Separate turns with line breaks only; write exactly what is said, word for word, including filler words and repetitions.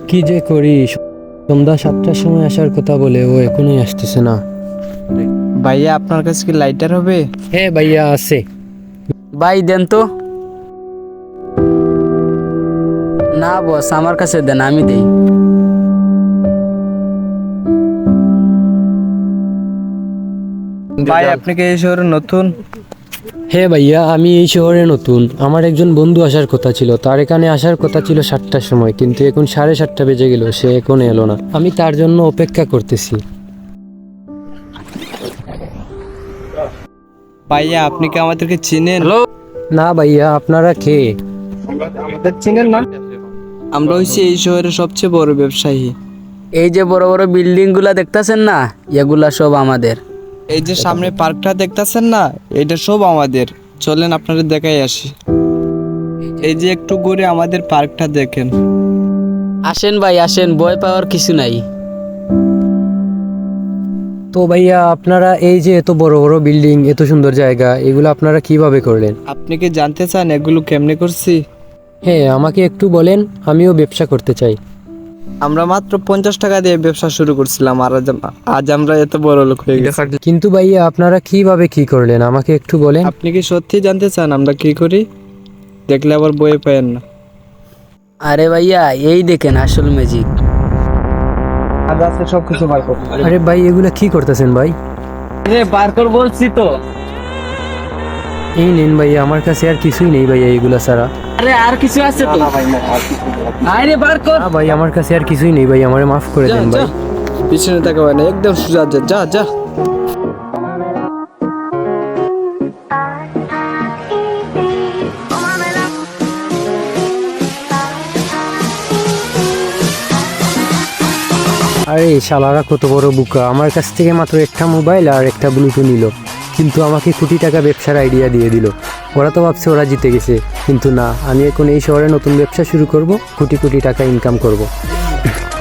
কি যে করি, সন্ধ্যা সাতটার সময় আসার কথা বলে ও এখনোই আসতেছে না।
ভাইয়া আপনার কাছে কি লাইটার হবে?
হ্যাঁ ভাইয়া আছে।
ভাই দেন তো। না বস, আমার কাছে দেন, আমি দেই।
ভাই আপনি কি এই শহরে নতুন?
হ্যাঁ ভাইয়া, আমি এই শহরে নতুন। আমার একজন বন্ধু আসার কথা ছিল, তার এখানে আসার কথা ছিল সাতটার সময়, কিন্তু এখন সাড়ে সাতটা বেজে গেল, সে এখন এলো না। আমি তার জন্য অপেক্ষা করতেছি।
ভাইয়া আপনি কি আমাদেরকে চিনেন?
হ্যালো।
না ভাইয়া, আপনারা কে?
আমাদের চিনেন না? আমরা হইছি এই শহরের সবচেয়ে বড় ব্যবসায়ী।
এই যে বড় বড় বিল্ডিং গুলা দেখতেছেন না, এগুলা সব আমাদের।
এই যে সামনে পার্কটা দেখতাছেন না, এটা সব আমাদের। চলেন আপনাদের দেখাই আসি। এই যে একটু ঘুরে আমাদের পার্কটা দেখেন।
আসেন ভাই আসেন, ভয় পাওয়ার কিছু নাই।
তো ভাইয়া, আপনারা এই যে এত বড় বড় বিল্ডিং, এত সুন্দর জায়গা, এগুলো আপনারা কিভাবে করলেন?
আপনি কি জানতে চান এগুলো কেমনে করছি?
হ্যাঁ, আমাকে একটু বলেন, আমিও ব্যবসা করতে চাই।
আমরা মাত্র পঞ্চাশ টাকা দিয়ে ব্যবসা শুরু করছিলাম, আর আজ আজ আমরা এত বড় লোক হয়ে গেছি।
কিন্তু ভাইয়া, আপনারা কিভাবে কি করলেন আমাকে একটু বলেন।
আপনি কি সত্যি জানতে চান আমরা কি করি? দেখলে আবার বয়ে পায়েন না।
আরে ভাইয়া, এই দেখেন আসল ম্যাজিক।
আজ আছে সবকিছু বার কর।
আরে ভাই, এগুলা কি করতেছেন ভাই?
রে বার কর বলছি তো।
এই নেন ভাইয়া, আমার কাছে আর কিছুই নেই ভাইয়া এগুলা ছাড়া।
আরে আর কিছু আছে তো? আরে বার কর।
না ভাই, আমার কাছে আর কিছুই নেই ভাই, আমারে মাফ করে
যা
দেন
যা,
ভাই।
পিছনে তাকাবে না, একদম সোজা যা যা যা।
আরে শালারা কত বড় বুকা, আমার কাছ থেকে মাত্র একটা মোবাইল আর একটা ব্লুটুথ নিল, কিন্তু আমাকে কোটি টাকা ব্যবসার আইডিয়া দিয়ে দিল। ওরা তো ভাবছে ওরা জিতে গেছে, কিন্তু না, আমি এখন এই শহরে নতুন ব্যবসা শুরু করব, কোটি কোটি টাকা ইনকাম করব।